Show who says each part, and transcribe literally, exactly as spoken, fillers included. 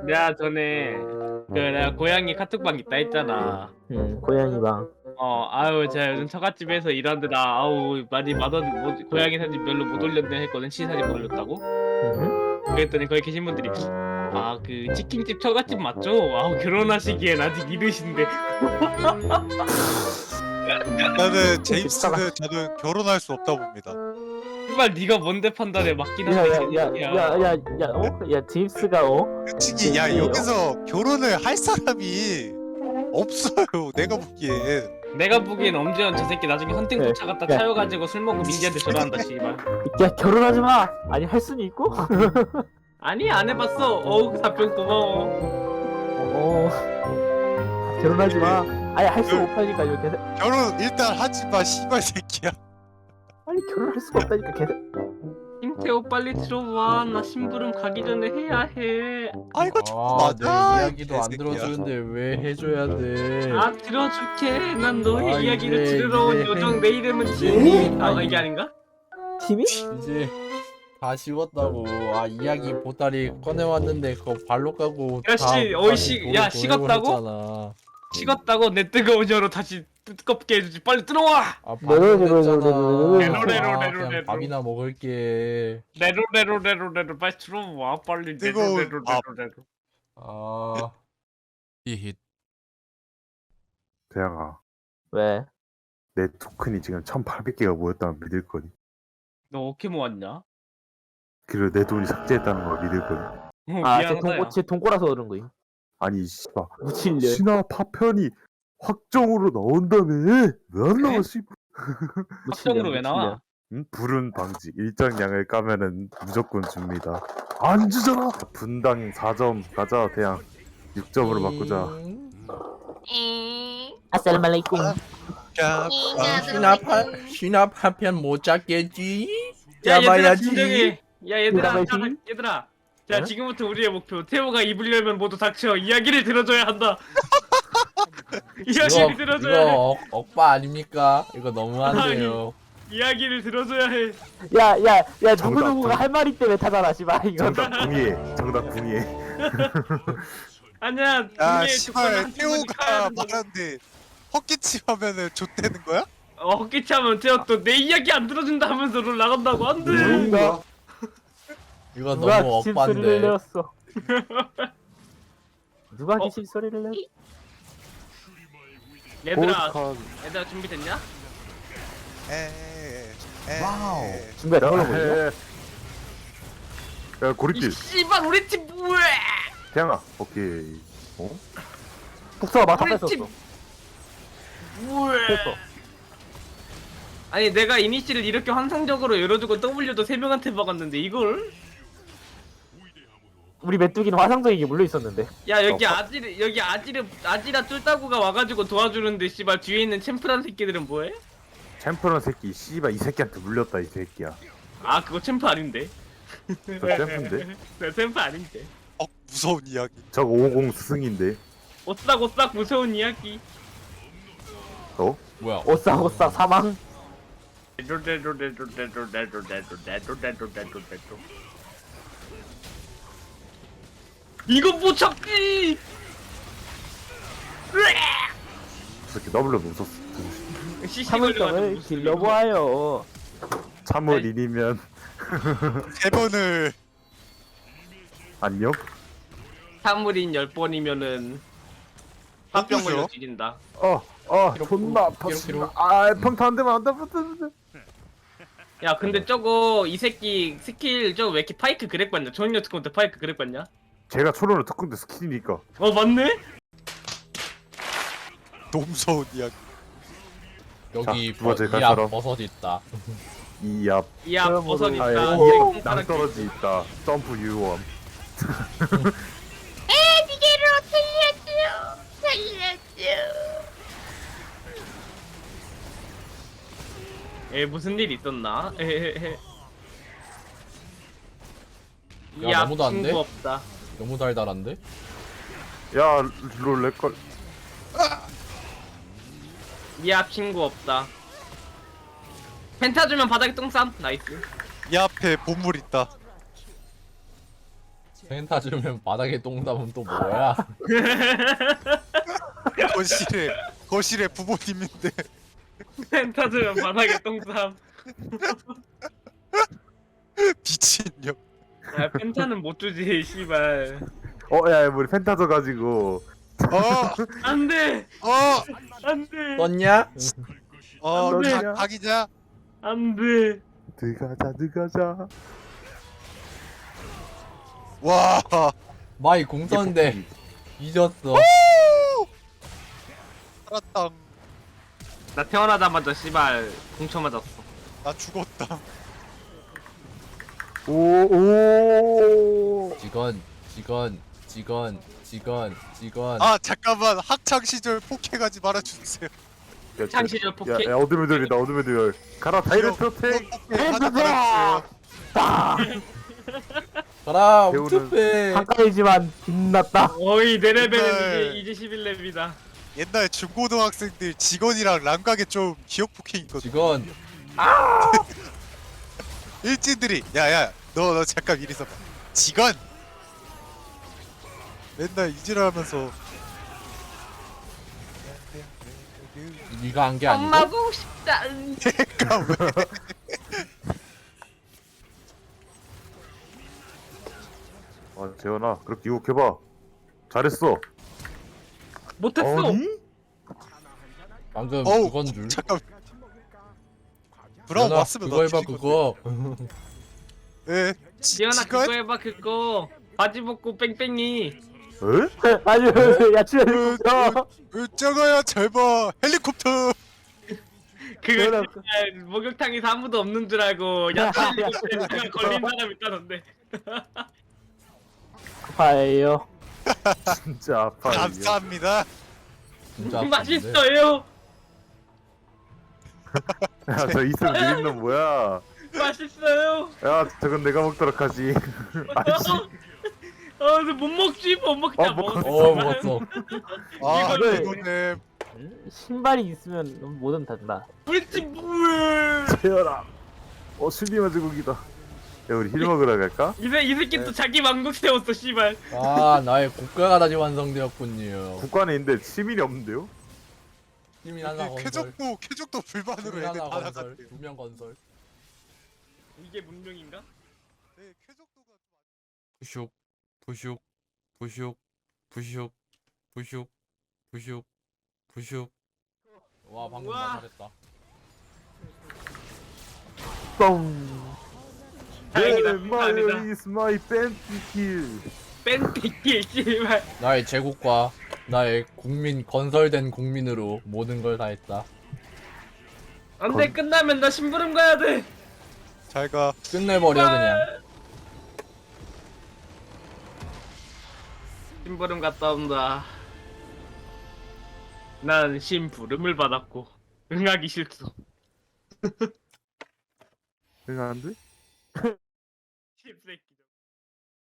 Speaker 1: 내가 전에 그 내가 고양이 카톡방 있다 했잖아.
Speaker 2: 응, 고양이 방.
Speaker 1: 어, 아유, 제가 요즘 처갓집에서 일하느라 아우 많이 맛없 뭐, 고양이 사진 별로 못 올렸네 했거든. 치 사진 못 올렸다고.
Speaker 2: 응?
Speaker 1: 그랬더니 거기 계신 분들이 아, 그 치킨집 처갓집 맞죠? 아우 결혼하시기엔 아직 이르신데.
Speaker 3: 나는 제임스는 저는 결혼할 수 없다고 봅니다.
Speaker 1: 정말 네가 뭔데 판단해 맞긴
Speaker 2: 야,
Speaker 1: 한데.
Speaker 2: 야, 야, 야, 야, 야, 어? 야, 제임스가 어?
Speaker 3: 솔직히 야
Speaker 2: 제임스예요?
Speaker 3: 여기서 결혼을 할 사람이 없어요. 내가 보기엔.
Speaker 1: 내가 보기엔 엄지원 저 새끼 나중에 헌팅
Speaker 2: 네.
Speaker 1: 쫓아갔다
Speaker 2: 네.
Speaker 1: 차여가지고 술 먹고 민지한테 전화한다 씨발.
Speaker 2: 야, 결혼하지 마. 아니 할 수는 있고.
Speaker 1: 아니 안 해봤어. 어우 답변 고마워.
Speaker 2: 어. 결혼하지 마. 아니 할 수 없다니까 이거 계속.
Speaker 3: 결혼 일단 하지 마 씨발 새끼야.
Speaker 2: 아니 결혼할 수가 없다니까 계속.
Speaker 1: 김태호 빨리 들어와. 나 심부름 가기 전에 해야 해.
Speaker 3: 아 이거 좀
Speaker 4: 아, 내
Speaker 3: 맞아.
Speaker 4: 이야기도 안
Speaker 3: 개새끼야.
Speaker 4: 들어주는데 왜 해줘야 돼?
Speaker 1: 아 들어줄게. 난 너의
Speaker 4: 아,
Speaker 1: 이야기를
Speaker 4: 이제,
Speaker 1: 들으러 온
Speaker 4: 이제.
Speaker 1: 요정. 내 이름은
Speaker 4: 이제.
Speaker 1: 티니.
Speaker 4: 아,
Speaker 1: 아 이게 아닌가?
Speaker 2: 팀이?
Speaker 4: 이제 다 식었다고. 아, 이야기 보따리 꺼내왔는데 그거 발로 까고.
Speaker 1: 야, 씨,
Speaker 4: 다음
Speaker 1: 어이,
Speaker 4: 까지
Speaker 1: 씨,
Speaker 4: 돌을
Speaker 1: 야,
Speaker 4: 보내고
Speaker 1: 식었다고?
Speaker 4: 했잖아.
Speaker 1: 식었다고 내 뜨거운 혀로 다시 뜨겁게 해주지. 빨리 들어와.
Speaker 4: 아,
Speaker 2: 네, 네, 네, 네, 네, 네, 네,
Speaker 4: 밥이잖아.
Speaker 2: 네,
Speaker 1: 네, 네,
Speaker 4: 아,
Speaker 1: 네, 네,
Speaker 4: 그냥
Speaker 1: 네.
Speaker 4: 밥이나 먹을게.
Speaker 1: 레로 레로 레로 레로 빨리 들어와. 빨리 레로
Speaker 3: 뜨거운
Speaker 1: 레로
Speaker 3: 밥.
Speaker 1: 레로 레로.
Speaker 4: 아, 히힛.
Speaker 5: 대양아,
Speaker 2: 왜?
Speaker 5: 내 토큰이 지금 천팔백 개가 모였다면 믿을 거니?
Speaker 1: 너 어떻게 모았냐?
Speaker 5: 그리고 내 돈이 삭제했다는 걸 믿을 거니?
Speaker 1: 어,
Speaker 2: 아, 제
Speaker 1: 미안하다.
Speaker 2: 돈,
Speaker 1: 야.
Speaker 2: 제 돈꼬라서 그런 거임.
Speaker 5: 아니 씨발
Speaker 2: 무칠년.
Speaker 5: 신화 파편이 확정으로 나온다며 왜 안 나와 씨?
Speaker 1: 확정으로 왜 나와?
Speaker 5: 응? 불운 방지 일정량을 까면은 무조건 줍니다. 안 주잖아. 분당 사 점 가자 대양 육 점으로 바꾸자.
Speaker 4: 음,
Speaker 2: 아살말레이쿰.
Speaker 3: 야,
Speaker 4: 아, 신압 한 신압 한 편 못 잡겠지?
Speaker 1: 야 얘들아
Speaker 4: 잡아야지.
Speaker 1: 진정해. 야 얘들아
Speaker 2: 잡아야지.
Speaker 1: 자, 얘들아. 자
Speaker 2: 어?
Speaker 1: 지금부터 우리의 목표. 태호가 입을 열면 모두 닥쳐. 이야기를 들어줘야 한다.
Speaker 4: 이거
Speaker 1: 이야기를 들어줘야 해.
Speaker 4: 이거 억, 억바 아닙니까? 이거 너무한데요.
Speaker 1: 이야기를 들어줘야 해.
Speaker 2: 야, 야, 야, 누구
Speaker 5: 정답,
Speaker 2: 누구가
Speaker 5: 정답.
Speaker 2: 할 말이 때문에 타잖아, 씨발 이거.
Speaker 5: 정답 궁예. 정답 궁예.
Speaker 1: 아니야.
Speaker 3: 야
Speaker 1: 이게
Speaker 3: 씨발
Speaker 1: 조건을
Speaker 3: 태호가
Speaker 1: 카야 된다고.
Speaker 3: 말하는데 헛기침 하면은 좆되는 거야?
Speaker 1: 어 헛기치 하면 태호 또 내 이야기 안 들어준다 하면서 롤 나간다고 안돼.
Speaker 2: 누가
Speaker 4: 이거
Speaker 2: 누가
Speaker 4: 너무
Speaker 2: 기침 소리를
Speaker 4: 억반데.
Speaker 2: 내었어. 누가
Speaker 1: 어?
Speaker 2: 기침 소리를 내었어?
Speaker 1: 얘들아
Speaker 5: 골카.
Speaker 1: 얘들아 준비됐냐?
Speaker 3: 에에 에.
Speaker 4: 와우.
Speaker 2: 준비가 나올라 보이냐?
Speaker 5: 야
Speaker 1: 이
Speaker 5: 고립길.
Speaker 1: 씨발 우리 팀 뭐해?
Speaker 5: 대양아 오케이. 어?
Speaker 2: 복서가 마타
Speaker 1: 우리
Speaker 2: 뺐었어.
Speaker 1: 팀 뭐해?
Speaker 2: 뺐어.
Speaker 1: 아니 내가 이니시를 이렇게 환상적으로 열어주고 W도 세 명한테 박았는데 이걸?
Speaker 2: 우리 메뚜기는 화상적인 게 물려 있었는데.
Speaker 1: 야 여기
Speaker 5: 어,
Speaker 1: 아지르 여기 아지르 아지라 쫄따구가 와가지고 도와주는데 씨발 뒤에 있는 챔프란 새끼들은 뭐해?
Speaker 5: 챔프런 새끼 씨발 이 새끼한테 물렸다 이 새끼야.
Speaker 1: 아 그거 챔프 아닌데?
Speaker 5: 저 챔프인데?
Speaker 1: 네 챔프 아닌데?
Speaker 3: 어 무서운 이야기.
Speaker 5: 저거 오공 스승인데.
Speaker 1: 오싹오싹 무서운 이야기.
Speaker 5: 어?
Speaker 4: 뭐야?
Speaker 2: 오싹오싹 사망.
Speaker 1: 이거 못 잡지!
Speaker 5: 저 새끼 W 못 썼어.
Speaker 2: 참을성을 길러보아요.
Speaker 5: 참을 일이면
Speaker 3: 세 번을
Speaker 5: 안녕?
Speaker 1: 사물인 열 번이면은 화병
Speaker 3: 누구죠?
Speaker 1: 걸려 죽인다.
Speaker 5: 어, 어,
Speaker 4: 기록,
Speaker 5: 존나
Speaker 4: 기록,
Speaker 5: 아팠어.
Speaker 4: 기록.
Speaker 5: 아, 평타 안 되면 안 돼, 안 돼, 안 돼.
Speaker 1: 야 근데 저거 이 새끼 스킬 저거 왜 이렇게 파이크 그렉 봤냐? 조인녀 특공 때 파이크 그렉 봤냐?
Speaker 5: 제가 초론을 특군데 스킬이니까.
Speaker 1: 어 맞네?
Speaker 3: 너무 무서운 이야기.
Speaker 4: 여기
Speaker 5: 자, 두 번째
Speaker 4: 버,
Speaker 5: 갈
Speaker 4: 이앞
Speaker 5: 사람.
Speaker 4: 버섯 있다.
Speaker 5: 이압,
Speaker 1: 이야
Speaker 2: 그러므로-
Speaker 1: 버섯 있다.
Speaker 5: 아예
Speaker 1: 이야
Speaker 5: 오,
Speaker 1: 콩가락
Speaker 5: 낭떠러지 있다. 점프 유언.
Speaker 1: 에 무슨 일 있었나? 에헤헤.
Speaker 4: 야,
Speaker 1: 이야
Speaker 4: 너무도 안 돼?
Speaker 1: 친구 없다.
Speaker 4: 너무 달달한데?
Speaker 5: 야, 롤 렉걸.
Speaker 1: 이야 친구 없다. 펜타 주면 바닥에 똥 쌈. 나이스.
Speaker 3: 이 앞에 보물 있다.
Speaker 4: 펜타 주면 바닥에 똥 담으면 또 뭐야?
Speaker 3: 거실에 거실에 부모님인데
Speaker 1: 펜타즈면 바닥에 똥쌈.
Speaker 3: 미친년.
Speaker 1: 야 펜타는 못 주지 씨발.
Speaker 5: 어야 우리 펜타져 가지고
Speaker 3: 어,
Speaker 1: 안돼
Speaker 3: 어,
Speaker 1: 안돼
Speaker 4: 떴냐?
Speaker 3: 어,
Speaker 5: 안 돼.
Speaker 3: 각, 각이자.
Speaker 1: 안돼.
Speaker 5: 들어가자 들어가자.
Speaker 3: 와,
Speaker 4: 마이 공 썼는데 잊었어.
Speaker 3: 살았다.
Speaker 1: 나 태어나자마자 씨발 공쳐 맞았어.
Speaker 3: 나 죽었다.
Speaker 5: 오오
Speaker 4: 직원, 직원, 직원, 직원, 직원.
Speaker 3: 아, 잠깐만. 학창 시절 폭행하지 말아 주세요.
Speaker 1: 창시절 폭행.
Speaker 5: 야, 야 어둠의 들이다 어둠의 들 가라 다이렉트 택.
Speaker 3: 하지 말아
Speaker 4: 가라,
Speaker 5: 배우는
Speaker 4: 우투페.
Speaker 2: 가까이지만 빛났다.
Speaker 1: 어이 내 레벨은
Speaker 3: 정말.
Speaker 1: 이제 이제 십일 렙이다.
Speaker 3: 옛날 중고등학생들 직원이랑 랑각에 좀 기억 폭행 있거든.
Speaker 4: 직원.
Speaker 3: 일진들이 야야 너 너 잠깐 이리 있어봐. 직원 맨날 이질하면서
Speaker 4: 네가 한 게 아니고.
Speaker 1: 엄마 보고 싶다.
Speaker 3: 내가 왜
Speaker 5: 아 재현아 그렇게 유혹해봐. 잘했어.
Speaker 1: 못했어.
Speaker 5: 아니?
Speaker 4: 방금
Speaker 3: 어우,
Speaker 4: 그건 줄.
Speaker 3: 잠깐 브라운
Speaker 4: 연아,
Speaker 3: 왔으면
Speaker 4: 그거 해봐
Speaker 3: 너
Speaker 4: 그거.
Speaker 3: 예
Speaker 1: 지연아
Speaker 3: 직원
Speaker 1: 그거 해봐 그거. 바지 벗고 뺑뺑이.
Speaker 5: 에?
Speaker 2: 아니 야 치아
Speaker 3: 으, 으, 저거야 잘봐 헬리콥터.
Speaker 1: 그거
Speaker 2: 지연아,
Speaker 1: 씨발 목욕탕에서 아무도 없는 줄 알고 야채 걸린 사람 있다던데.
Speaker 2: 아파요.
Speaker 5: 진짜 아파.
Speaker 3: 감사합니다.
Speaker 4: 진짜 아픈데.
Speaker 1: 맛있어요.
Speaker 5: 야저 이승 느린 놈 뭐야?
Speaker 1: 맛있어요.
Speaker 5: 야 저건 내가 먹도록 하지. 아이씨.
Speaker 1: 어, 못 먹지 못 먹자
Speaker 5: 어, 먹-
Speaker 1: 먹었어.
Speaker 4: 어 먹었어.
Speaker 3: 아
Speaker 1: 이거를-
Speaker 3: 이거는
Speaker 2: 신발이 있으면 뭐든 된다.
Speaker 1: 우리집 물.
Speaker 5: 재현아. 어 수비만 제국이다. 야 우리 힐 먹으러 갈까?
Speaker 1: 이새 이 새끼 또 자기 왕국 세웠어 씨발.
Speaker 4: 아 나의 국가가 다시 완성되었군요.
Speaker 5: 국관에 있는데 시민이 없는데요?
Speaker 4: 시민 하나
Speaker 3: 이게
Speaker 4: 건설.
Speaker 3: 쾌적도 쾌적도 불만으로
Speaker 4: 시민
Speaker 3: 애들
Speaker 4: 하나
Speaker 3: 다
Speaker 4: 건설.
Speaker 3: 나갔대요.
Speaker 4: 두명 건설.
Speaker 1: 이게 문명인가?
Speaker 3: 네, 쾌적도가
Speaker 4: 부슉 부슉 부슉 부슉 부슉 부슉 부슉. 와 방금
Speaker 1: 우와.
Speaker 4: 나 잘했다.
Speaker 2: 뻥.
Speaker 1: 다행이다.
Speaker 5: 네,
Speaker 1: 그거 아니다.
Speaker 5: my is my panty kill.
Speaker 1: 뺀띠끼 씨발.
Speaker 4: 나의 제국과 나의 국민 건설된 국민으로 모든 걸 다했다.
Speaker 1: 안돼 끝나면 나 심부름 가야 돼.
Speaker 3: 잘가.
Speaker 4: 끝내버려 그냥.
Speaker 1: 심부름 갔다 온다. 난 심부름을 받았고 응하기 싫소.
Speaker 5: 응 안 돼?
Speaker 1: 씹새끼.